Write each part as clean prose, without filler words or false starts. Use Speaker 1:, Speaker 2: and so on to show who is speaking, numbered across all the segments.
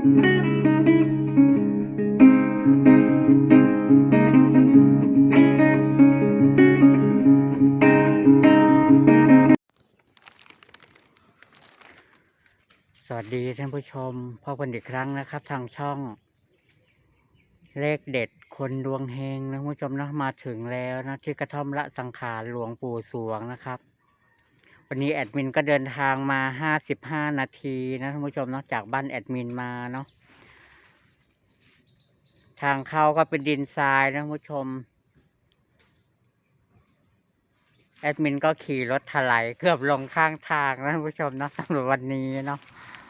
Speaker 1: สวัสดีท่านผู้ชมพบกันอีกครั้งนะครับทางช่องเลขเด็ดคนดวงเฮงนะท่านผู้ชมนะมาถึงแล้วนะที่กระท่อมละสังขารหลวงปู่สวงนะครับวันนี้แอดมินก็เดินทางมา55 นาทีนะท่านผู้ชมนะจากบ้านแอดมินมาเนาะทางเข้าก็เป็นดินทรายนะท่านผู้ชมแอดมินก็ขี่รถถลายเกือบลงข้างทางนะท่านผู้ชมนะสำหรับวันนี้เนาะ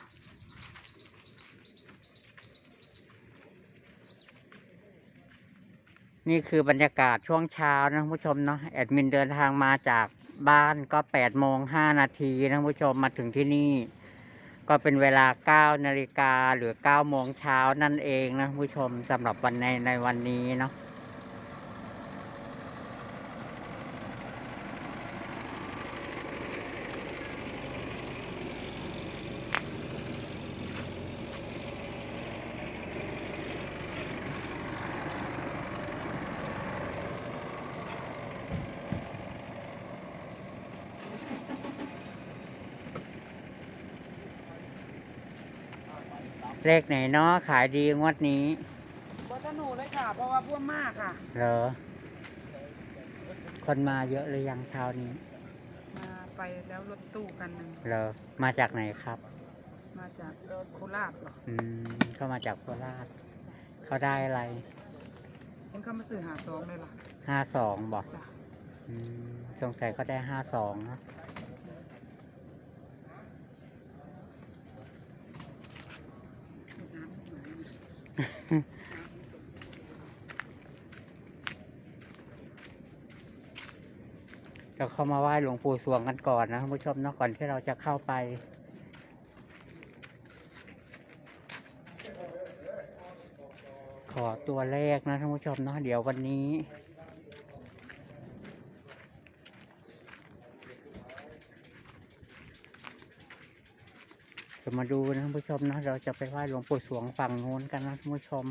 Speaker 1: นี่คือบรรยากาศช่วงเช้านะท่านผู้ชมเนาะแอดมินเดินทางมาจากบ้านก็8:05 นาทีนะท่านผู้ชมมาถึงที่นี่ก็เป็นเวลา9 นาฬิกาหรือ9 โมงเช้านั่นเองนะท่านผู้ชมสำหรับในวันนี้เนาะเลขไหนเนาะขายดีงวดนี้
Speaker 2: วัฒนูเลยค่ะเพราะว่าพวกมากค่ะ
Speaker 1: เหรอคนมาเยอะหรือยังเช้านี้
Speaker 2: มาไปแล้วรถตู้กันหนึ่ง
Speaker 1: เหรอมาจากไหนครับ
Speaker 2: มาจากโคราชเหรอ
Speaker 1: เข้ามาจากโคราชเขาได้อะไร
Speaker 2: เห็นเขามาสื่อ52เลยล่ะ
Speaker 1: 52บอก
Speaker 2: จ้ะ
Speaker 1: สงสัยเขาได้52นะเราเข้ามาไหว้หลวงปู่สวงกันก่อนนะท่านผู้ชมเนาะก่อนที่เราจะเข้าไปขอตัวเลขนะท่านผู้ชมเนาะเดี๋ยววันนี้จะมาดูนะท่านผู้ชมนะเราจะไปไหว้หลวงปู่สวงฝั่งโน้นกันนะท่านผู้ชม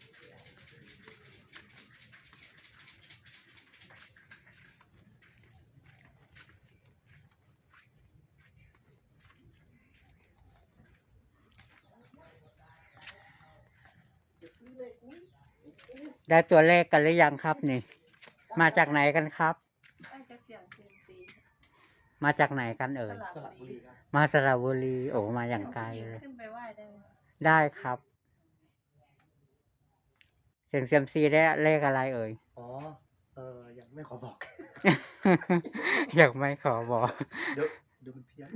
Speaker 1: ได้ตัวเลขกันหรือยังครับนี่มาจากไหนกันครับมาจากไหนกันเอ่ยมาสระบุรีโอ้มาอย่างไกลเลยขึ้นไปไหว้ได้ครับเสียงเซียมซีได้เลขอะไรเอ่ย
Speaker 3: ยังไม่ขอบอก
Speaker 1: ยังไม่ขอบอก
Speaker 3: เดี๋ยวมันเพี้ยน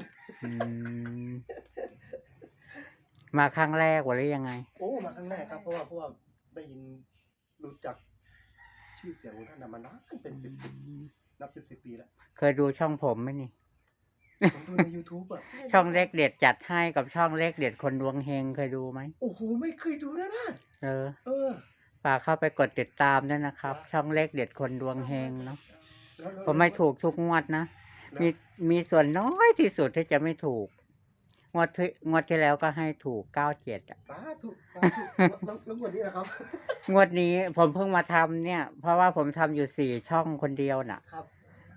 Speaker 1: มาครั้งแรกหรือยังไง
Speaker 3: โอ้มาครั้งแรกครับเพราะว่าได้ยินรู้จักชื่อเสียงของท่านมานานเป็นนับ10 ปีแล้ว
Speaker 1: เคยดูช่องผมไหมนี่
Speaker 3: ผมดูใน YouTube อ่ะ
Speaker 1: ช่องเลขเด็ดจัดให้กับช่องเลขเด็ดคนดวงเฮงเคยดูไหม
Speaker 3: โอ้โหไม่เคยดูนะ
Speaker 1: ฝากเข้าไปกดติดตามด้วยนะครับช่องเลขเด็ดคนดวงเฮงเนาะผมไม่ถูกทุกงวดนะมีส่วนน้อยที่สุดที่จะไม่ถูกงวดที่แล้วก็ให้ถูก97
Speaker 3: สาธุแล้วงวดนี้นะครับ
Speaker 1: งวดนี้ผมเพิ่งมาทำเนี่ยเพราะว่าผมทำอยู่4 ช่องคนเดียวน่ะ
Speaker 3: ครับ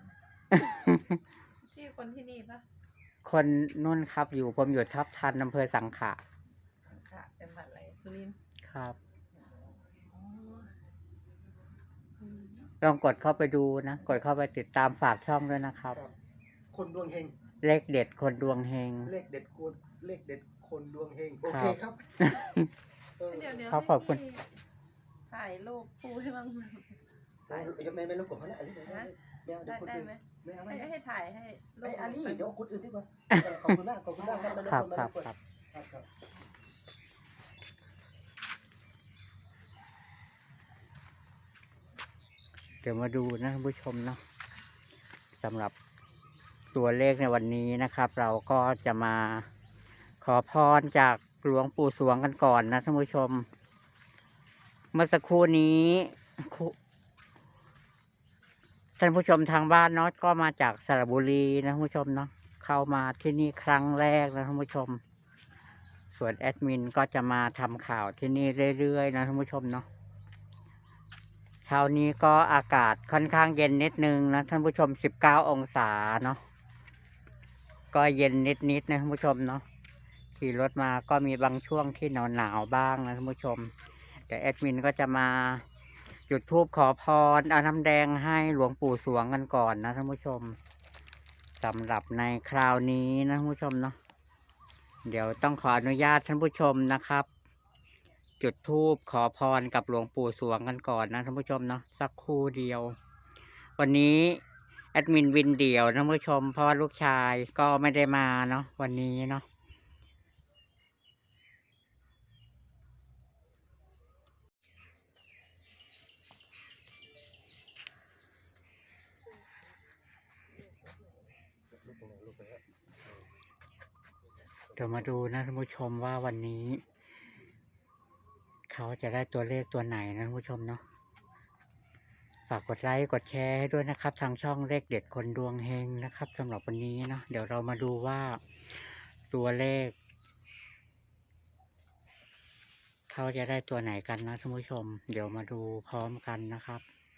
Speaker 2: ที่คนที่นี่ปะ
Speaker 1: คนนุ่นครับผมอยู่ทับทันอำเภอสังขะ
Speaker 2: จังหวัดอะไรสุรินทร์
Speaker 1: ครับลองกดเข้าไปดูนะกดเข้าไปติดตามฝากช่องด้วยนะครับ
Speaker 3: คนดวงเฮง
Speaker 1: เลขเด็ดคนดวงเฮง
Speaker 3: เลขเด็ดคนดวงเฮงโอเคครับ
Speaker 2: เดี๋ยว
Speaker 1: ขอบคุณ
Speaker 2: ถ่ายรูปปูให้บ้าง
Speaker 3: ไม่รบกวนเขาแล้วอันนี้
Speaker 2: ได้ไหมไม่ให้ถ่ายให้
Speaker 3: อันนี้เดี๋ยวคนอื่นดีกว่าขอบคุณมาก
Speaker 1: ครับเดี๋ยวมาดูนะท่านผู้ชมเนาะสำหรับตัวเลขในวันนี้นะครับเราก็จะมาขอพรจากหลวงปู่สวงกันก่อนนะท่านผู้ชมเมื่อสักครู่นี้ท่านผู้ชมทางบ้านเนาะก็มาจากสระบุรีนะท่านผู้ชมเนาะเข้ามาที่นี่ครั้งแรกนะท่านผู้ชมส่วนแอดมินก็จะมาทำข่าวที่นี่เรื่อยๆนะท่านผู้ชมเนาะเช้านี้ก็อากาศค่อนข้างเย็นนิดนึงนะท่านผู้ชม19 องศาเนาะก็เย็นนิดๆนะท่านผู้ชมเนาะขี่รถมาก็มีบางช่วงที่หนาวๆบ้างนะท่านผู้ชมแต่แอดมินก็จะมาจุดธูปขอพรเอาน้ำแดงให้หลวงปู่สวงกันก่อนนะท่านผู้ชมสำหรับในคราวนี้นะท่านผู้ชมเนาะเดี๋ยวต้องขออนุญาตท่านผู้ชมนะครับ จุดธูปขอพรกับหลวงปู่สวงกันก่อนนะท่านผู้ชมเนาะสักครู่เดียว วันนี้แอดมินวินเดี่ยวท่านผู้ชมเพราะว่าลูกชายก็ไม่ได้มาเนาะวันนี้เนาะเดี๋ยวมาดูนะท่านผู้ชมว่าวันนี้ เขาจะได้ตัวเลขตัวไหนนะท่านผู้ชมเนาะฝากกดไลค์กดแชร์ให้ด้วยนะครับ ทางช่องเลขเด็ดคนดวงเฮงนะครับสำหรับวันนี้เนาะเดี๋ยวเรามาดูว่าตัวเลข เขาจะได้ตัวไหนกันนะท่านผู้ชม เดี๋ยวมาดูพร้อมกันนะครับ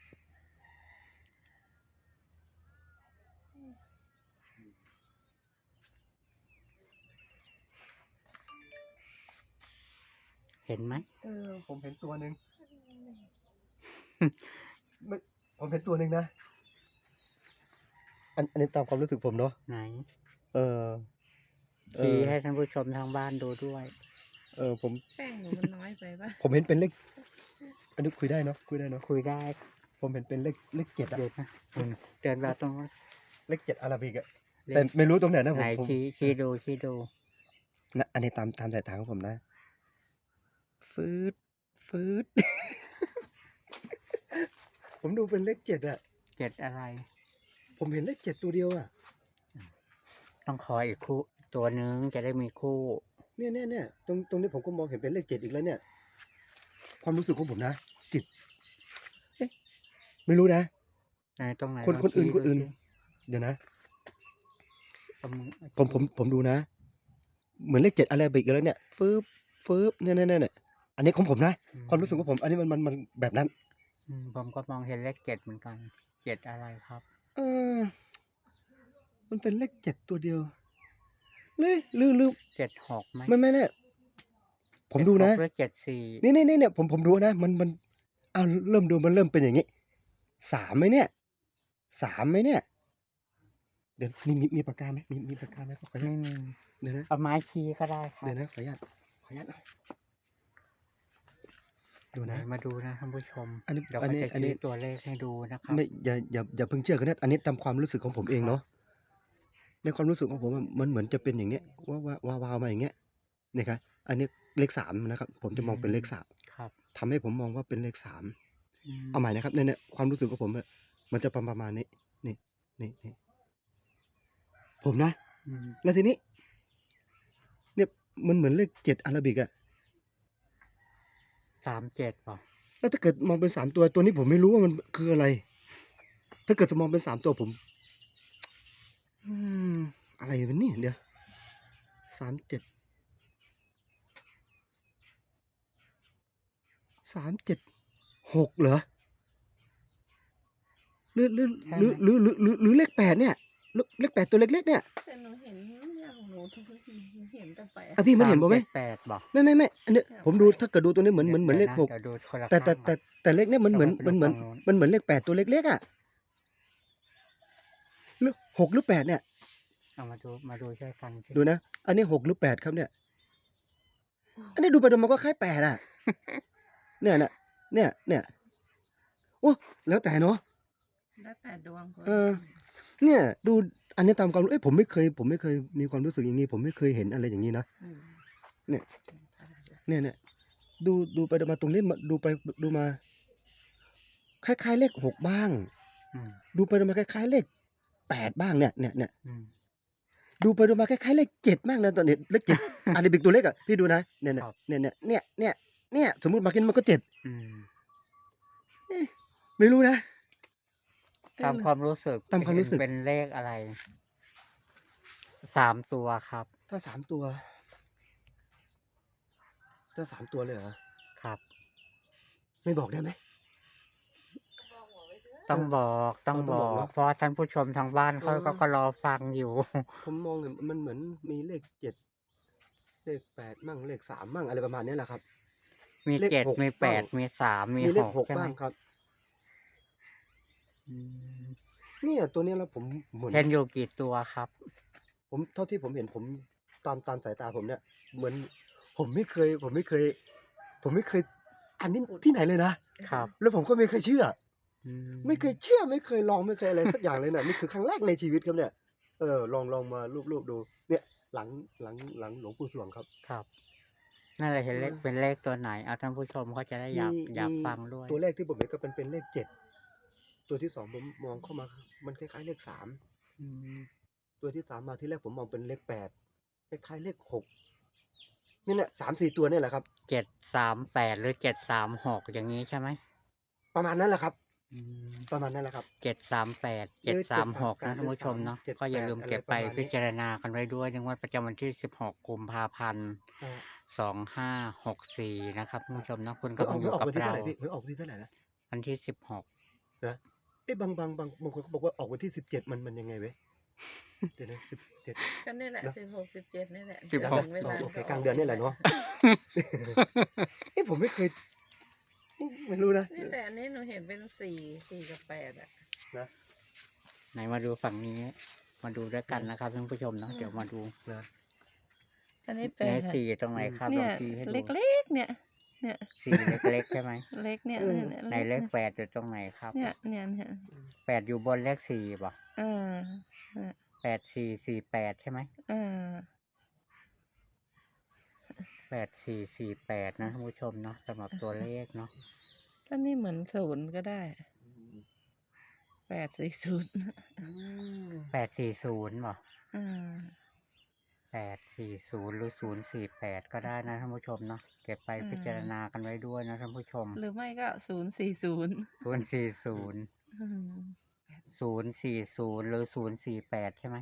Speaker 1: เห็นไหม
Speaker 3: ผมเห็นตัวหนึ่ง ไม่ผมเห็นตัวหนึ่งนะ อันนี้ตามความรู้สึกผมเนาะ
Speaker 1: ไหน
Speaker 3: เออ
Speaker 1: ชี้ให้ท่านผู้ชมทางบ้านดูด้วย
Speaker 3: ผม
Speaker 2: แป้งหนูมันน้อยไปป่ะ
Speaker 3: ผมเห็นเป็นเลข อันนี้คุยได้เนาะ คุยได้เนาะ
Speaker 1: คุยได้
Speaker 3: ผมเห็นเป็นเลข7อะ
Speaker 1: เดี๋ยวนะเดินมาตรงนู้น
Speaker 3: เลข7อาราบิกอะ
Speaker 1: เล
Speaker 3: แต่
Speaker 1: ข
Speaker 3: ไม่รู้ตรงไหนนะ
Speaker 1: ไหน
Speaker 3: ผม
Speaker 1: ชี้ดู
Speaker 3: นะอันนี้ตามสายตาของผมนะ ฟืด ผมดูเป็นเลข7อะ
Speaker 1: เจ็ดอะไร
Speaker 3: ผมเห็นเลข7ตัวเดียวอะ
Speaker 1: ต้องขออีกคู่ตัวนึงจะได้มีคู่
Speaker 3: เนี่ยตรงนี้ผมก็มองเห็นเป็นเลข7อีกแล้วเนี่ย ความรู้สึกของผมนะ จิต เอ๊ะ ไม่รู้นะ
Speaker 1: ไหนตรงไหน
Speaker 3: คน
Speaker 1: ลง
Speaker 3: คนอื่น
Speaker 1: ชี้
Speaker 3: คนอื่น
Speaker 1: ดูสิ
Speaker 3: เดี๋ยวนะ
Speaker 1: เอามือ
Speaker 3: ผมดูนะ เหมือนเลข7อาราบิกอีกแล้วเนี่ย ฟืบเนี่ยอันนี้ของผมนะ ความรู้สึกของผม อันนี้มันแบบนั้น
Speaker 1: ผมก็มองเห็นเลขเจ็ดเหมือนกันเจ็ดอะไรครับ
Speaker 3: เออ มันเป็นเลข7ตัวเดียวเลยลืม
Speaker 1: 76ไหม
Speaker 3: ไม่เนี่ยผมดูนะ
Speaker 1: 76หรือ74
Speaker 3: เนี่ยผมดูนะ มันเอาเริ่มดูมันเริ่มเป็นอย่างนี้3ไหมเนี่ย3ไหมเนี่ย เดี๋ยวมีปากกาไหมมีปากกาไหมขออนุญาต เดี๋ยวนะ
Speaker 1: เอาไม้ชี้ก็ได้ครับ
Speaker 3: เดี๋ยวนะขออนุญาตดูนะ
Speaker 1: มาดูนะท่านผู้ชม
Speaker 3: อันนี้
Speaker 1: เดี๋ยว
Speaker 3: อัน
Speaker 1: ก็
Speaker 3: นี้
Speaker 1: จะ
Speaker 3: อันนี้
Speaker 1: ชี้ตัวเลขให้ดูนะครับ
Speaker 3: ไม่อย่าเพิ่งเชื่อกันนะอันนี้ตามความรู้สึกของผมเองเนาะในความรู้สึกของผมอะมันเหมือนจะเป็นอย่างเนี้ยว้าวมาอย่างเงี้ยเนี่ยครับอันนี้เลข3นะครับ ผมจะมองเป็นเลข3
Speaker 1: ครับ
Speaker 3: ทำให้ผมมองว่าเป็นเลข3เอาใหม่นะครับเนี่ยความรู้สึกของผมอะมันจะประมาณนี้นี่ผมนะ แล้วทีนี้ เนี่ยมันเหมือนเลข7อาราบิกอะ
Speaker 1: 37ป่ะ
Speaker 3: แล้วถ้าเกิดมองเป็น3ตัวนี้ผมไม่รู้ว่ามันคืออะไร ถ้าเกิดจะมองเป็น3ตัวผม อะไรเป็นนี่เดี๋ยว376เหรอหรือเลข8เนี่ยเลข8ตัวเล็กๆเนี่ย
Speaker 2: แต่หนูเห็นอย่างหนูทุกทีเห็นแต่แปด
Speaker 3: อ่ะพี่มันเห็นผมไหม
Speaker 1: 378บอก
Speaker 3: ไม่อันนี้ผมดูถ้าเกิดดูตัวนี้เหมือนเลข
Speaker 1: ดี๋ยวดูคนละ
Speaker 3: 6แต่
Speaker 1: ข้างก่อน
Speaker 3: แต่เลขเนี่ยมันเหมือนเลข8ตัวเล็กๆอ่ะหรือ6หรือ8เนี่ย
Speaker 1: เอามาดูช่วยกันสิ
Speaker 3: ดูนะ อันนี้6หรือ8ครับเนี่ย อันนี้ดูไปดูมาก็คล้าย8อ่ะ เนี่ยโอ้แล้วแต่เนาะ
Speaker 2: ได้แปดดวงคน
Speaker 3: เนี่ย ดูอันนี้ตามความรู้ผมไม่เคยมีความรู้สึกอย่างนี้ผมไม่เคยเห็นอะไรอย่างนี้นะ เนี่ยดูไปดูมาตรงนี้ดูไปดูมาคล้ายๆเลข6บ้าง ดูไปดูมาคล้ายๆเลข8บ้างเนี่ย ดูไปดูมาคล้ายๆเลข7บ้างนะตอนนี้เลข7อาราบิกตัวเล็กอ่ะพี่ดูนะเนี่ยสมมุติมากินมันก็7ไม่รู้นะ
Speaker 1: ตามความรู้สึก
Speaker 3: ตามความรู้สึก
Speaker 1: เป็นเลขอะไร3ตัวครับ
Speaker 3: ถ้า3ตัวจะ3 ตัวเลยเหรอ
Speaker 1: ครับ
Speaker 3: ไม่บอกได้ไหม
Speaker 2: บอกหัวไว้เถอะ
Speaker 1: ต้องบอกต้อง
Speaker 3: ต้
Speaker 1: บ
Speaker 3: องบอก
Speaker 1: อก
Speaker 3: เนาะ
Speaker 1: เพราะท่านผู้ชมทางบ้านเขา
Speaker 3: อ๋อ
Speaker 1: ก็รอฟังอยู่
Speaker 3: ผมมองเห็นมันเหมือนมีเลข 7 เลข 8 มั่ง เลข 3 มั่ง อะไรประมาณเนี้ยแหละครับ
Speaker 1: มี
Speaker 3: เลข
Speaker 1: 7
Speaker 3: 6
Speaker 1: มี
Speaker 3: บ้าง
Speaker 1: 8 มี 3 มี
Speaker 3: มีเลข
Speaker 1: 6 ใช่
Speaker 3: 6
Speaker 1: ไหม?
Speaker 3: บ้างครับ
Speaker 1: อืม
Speaker 3: เนี่ยตัวเนี้ยแล้วผมเหมือน
Speaker 1: เห็นอยู่กี่ตัวครับ?
Speaker 3: ผมเท่าที่ผมเห็นผมตามสายตาผมเนี่ย เหมือนผมไม่เคยอันนี้ที่ไหนเลยนะ
Speaker 1: ครับ
Speaker 3: แล้วผมก็ไม่เคยเชื่อ
Speaker 1: อื
Speaker 3: ไม่เคย
Speaker 1: ม
Speaker 3: เชื่อ ไม่เคยลอง ไม่เคยอะไรสักอย่างเลยน่ะ นี่คือครั้งแรกในชีวิตครับเนี่ย ลองมารูปๆดู เนี่ยหลังหลวงปู่สวงครับ
Speaker 1: ครับ นั่นแหละเห็นเลข
Speaker 3: เออ
Speaker 1: เป็นเลขตัวไหน? ท่านผู้ชมเขาจะได้อยากฟังด้วย
Speaker 3: ตัวแรกที่ผมเห็นก็เป็นเลข 7 ตัวที่ 2 ผมมองเข้ามามันคล้ายๆเลข 3
Speaker 1: อืม
Speaker 3: ตัวที่ 3 มาที่แรกผมมองเป็นเลข 8 คล้ายๆเลข 6 นี่แหละ 3-4 ตัวเนี่ยแหละครับ
Speaker 1: 738 หรือ 736 อย่างงี้ใช่ไหม?
Speaker 3: ประมาณนั้นแหละครับ
Speaker 1: อืม
Speaker 3: ประมาณนั้นแหละครับ
Speaker 1: 738
Speaker 3: หรือ
Speaker 1: 736 นะ
Speaker 3: 738
Speaker 1: ท่านผู้ชมเนาะ
Speaker 3: หรือ
Speaker 1: ก็อย่าลืม
Speaker 3: 38
Speaker 1: เก็บ
Speaker 3: อะไรป
Speaker 1: ไประ
Speaker 3: มาณ
Speaker 1: พิ
Speaker 3: นี้
Speaker 1: จารณากันไว้ด้วย ในงวดประจำวันที่ 16 กุมภาพันธ์
Speaker 3: ครับ
Speaker 1: 2564 นะครับท่านผู้ชมเนาะ คุณ
Speaker 3: ห
Speaker 1: กำลังอยู่
Speaker 3: วยออก
Speaker 1: กับ
Speaker 3: วันที่
Speaker 1: เร
Speaker 3: เท่า
Speaker 1: า
Speaker 3: ไรพี่? หวยออกวันที่เท่าไรนะ?
Speaker 1: วันที่ 16
Speaker 3: นะ เอ๊ะ บางคนเขาบอกว่าออกวันที่ 17 มันยังไงเว้ย? เดี๋ยวนะ 17
Speaker 2: ก็นี่แหละ
Speaker 3: เนาะ
Speaker 2: 16 17 นี่แหละ
Speaker 1: สิบ
Speaker 2: จะ
Speaker 1: ห
Speaker 2: ถึ
Speaker 1: ก
Speaker 2: งเวลา
Speaker 3: โอเค
Speaker 2: ก็
Speaker 3: กลาง
Speaker 2: ก
Speaker 3: เดือนนี่แหละเนาะ เอ๊ะ ผมไม่เคย ไม่รู้นะ
Speaker 2: นี่แต่อันนี้หนูเห็นเป็น 4 กับ 8 อะ
Speaker 3: นะ
Speaker 1: ไหนมาดูฝั่งนี้ มาดูด้วยกันนะครับท่านผู้ชมเนาะ เดี๋ยวมาดู
Speaker 3: นะ
Speaker 2: อันนี้
Speaker 1: ไหน
Speaker 2: 8
Speaker 1: 4 ตรงไหนครับ?
Speaker 2: เนี่
Speaker 1: ลอย งชี้ให้ดู
Speaker 2: เล็กๆ เนี่ย
Speaker 1: 4 เล็ก ๆ ใช่ไหม?
Speaker 2: เล็กเนี่ย
Speaker 3: เออ
Speaker 1: ไหน
Speaker 2: เล็ก
Speaker 1: เลข
Speaker 2: เนี่ย
Speaker 1: 8 อยู่ตรงไหนครับ?
Speaker 2: เนี่ย
Speaker 1: 8 อยู่บนเลข 4 เปล่า?
Speaker 2: เออ เนี่ย
Speaker 1: 8448 ใช่ไหม?
Speaker 2: เออ
Speaker 1: 8448 นะท่านผู้ชมเนาะ สำหรับตัวเลขเนาะ
Speaker 2: ก็นี่เหมือน 0 ก็ได้
Speaker 3: อืม
Speaker 2: 840
Speaker 3: อืม
Speaker 1: 840 เปล่า?
Speaker 2: เออ
Speaker 1: 840 หรือ 048 ก็ได้นะท่านผู้ชมเนาะ เก็บไป
Speaker 2: เออ
Speaker 1: พิจารณากันไว้ด้วยนะท่านผู้ชม
Speaker 2: หรือไม่ก็ 040
Speaker 1: 040
Speaker 2: อืม
Speaker 1: 040 หรือ 048 ใช่ไหม?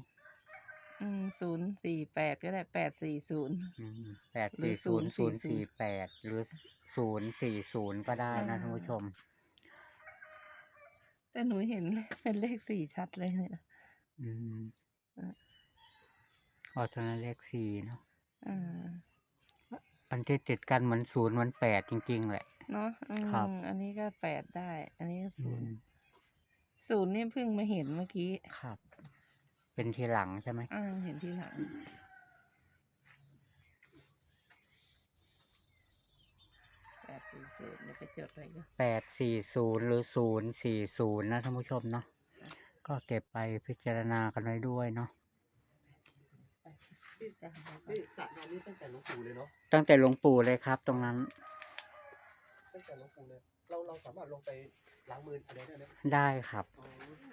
Speaker 2: 048 ก็ได้ 840
Speaker 1: อืม
Speaker 2: หรือ
Speaker 1: 840
Speaker 2: 040
Speaker 1: 048 หรือ 040 ก็ได้
Speaker 2: เอ
Speaker 1: นะท่านผู้ช
Speaker 2: อ
Speaker 1: ม
Speaker 2: แต่หนูเห็น เป็นเลข 4 ชัดเลยเนี่ย
Speaker 1: อืม
Speaker 2: เออ
Speaker 1: อ๋อ ตรงนั้นเลข 4 เนาะ
Speaker 2: เออ
Speaker 1: อันที่ติดกันเหมือน 0 เหมือน 8 จริง ๆ แหละ
Speaker 2: เนาะ
Speaker 1: ครับ
Speaker 2: อันนี้ก็ 8 ได้ อันนี้ก็
Speaker 1: อืม
Speaker 2: 0 0 นี่เพิ่งมาเห็นเมื่อกี้
Speaker 1: ครับ เป็นทีหลังใช่ไหม?
Speaker 2: เห็นทีหลัง 840 เดี๋ยวไปจดไว้ก่อน
Speaker 1: 840 หรือ 040 นะท่านผู้ชมเนาะ
Speaker 2: จ้ะ
Speaker 1: ก็เก็บไปพิจารณากันไว้ด้วยเนาะ
Speaker 3: พี่ พี่สระน้ำนี้ตั้งแต่หลวงปู่เลยเนาะ?
Speaker 1: ตั้งแต่หลวงปู่เลยครับ ตรงนั้น
Speaker 3: ตั้งแต่หลวงปู่เลย เราสามารถลงไปล้างมืออะไรได้ไหม?
Speaker 1: ได้ครับ
Speaker 3: อ๋อ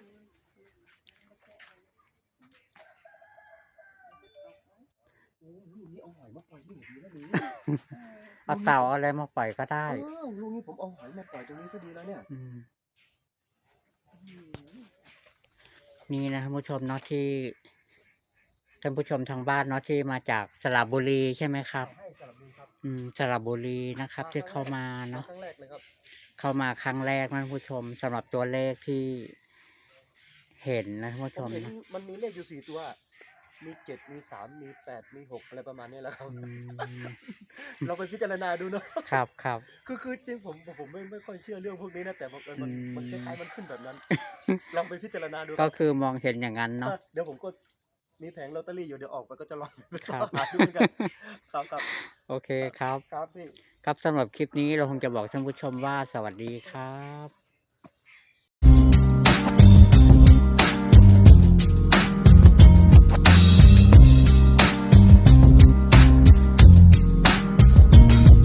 Speaker 3: โอ้ ลูกนี้เอาหอยมาปล่อยนี่ดีแล้วนี่
Speaker 1: เอาเต่า เอาอะไรมาปล่อยก็ได้
Speaker 3: ลูกนี้ผมเอาหอยมาปล่อยตรงนี้ซะดีแล้วเนี่ย
Speaker 1: อืม
Speaker 3: อื้อฮือ
Speaker 1: นี่นะท่านผู้ชมเนาะ ที่ ท่านผู้ชมทางบ้านเนาะ ที่มาจากสระบุรีใช่ไหมครับ?
Speaker 3: ใช่ สระบุรีครับ
Speaker 1: สระบุรีนะครับ ที่เข้ามา
Speaker 3: มา
Speaker 1: เนาะ
Speaker 3: ครั้งแรกเลยครับ
Speaker 1: เข้ามาครั้งแรกนะท่านผู้ชม สำหรับตัวเลขที่เห็นนะท่านผู้
Speaker 3: ผ
Speaker 1: ช
Speaker 3: ม
Speaker 1: ม
Speaker 3: เห็น
Speaker 1: เนาะ
Speaker 3: มันมีเลขอยู่ 4 ตัว มี 7 มี 3 มี 8 มี 6 อะไรประมาณนี้แหละครับ
Speaker 1: อืม
Speaker 3: ลองไปพิจารณาดูเนาะ
Speaker 1: ครับ
Speaker 3: คือจริงผมไม่ค่อยเชื่อเรื่องพวกนี้นะ แต่บังเอิญ
Speaker 1: อื
Speaker 3: มันค
Speaker 1: ม
Speaker 3: ล้ายๆมันขึ้นแบบนั้น ลองไปพิจารณาดูค
Speaker 1: ก็
Speaker 3: รับ
Speaker 1: คือมองเห็นอย่างงั้นเนาะ
Speaker 3: เดี๋ยวผมก็มีแผงลอตเตอรี่อยู่ เดี๋ยวออกไปก็จะลองไป
Speaker 1: ค
Speaker 3: ส่
Speaker 1: รั
Speaker 3: อบ หาดูเหมือนกัน ครับ
Speaker 1: โอเคครับ
Speaker 3: ครับพี่
Speaker 1: ครับ สำหรับคลิปนี้เราคงจะบอกท่านผู้ชมว่า สวัสดีครับ